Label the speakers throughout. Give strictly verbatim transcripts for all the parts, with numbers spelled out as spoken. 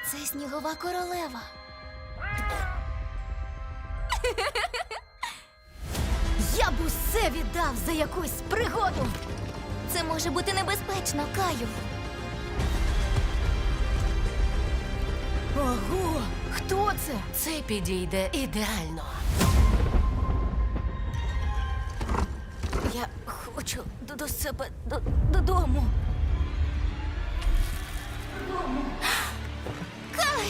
Speaker 1: Це снігова королева. Я б усе віддав за якусь пригоду. Це може бути небезпечно, Каю. Ого, хто це?
Speaker 2: Це підійде ідеально.
Speaker 1: Я хочу до, до себе до, додому. Додому. Кай!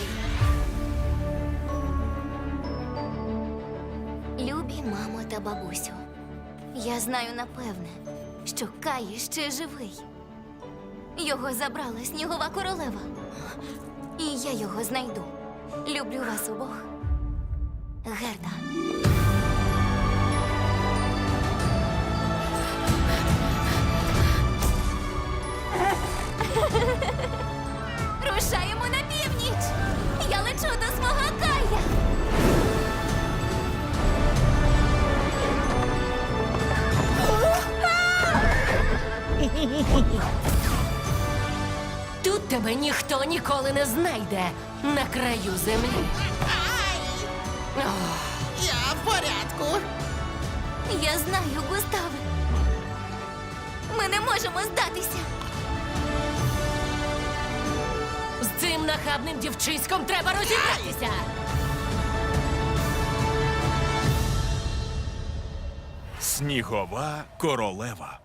Speaker 1: Любі мамо та бабусю, я знаю напевне, що Кай ще живий. Його забрала снігова королева. І я його знайду. Люблю вас обох. Герда. Рушаємо на північ! Я лечу до свого Кая!
Speaker 2: Тут тебе ніхто ніколи не знайде на краю землі. Ох,
Speaker 3: Я в порядку.
Speaker 1: Я знаю, Густаве. Ми не можемо здатися.
Speaker 2: з цим нахабним дівчиськом треба розібратися.
Speaker 4: Снігова королева.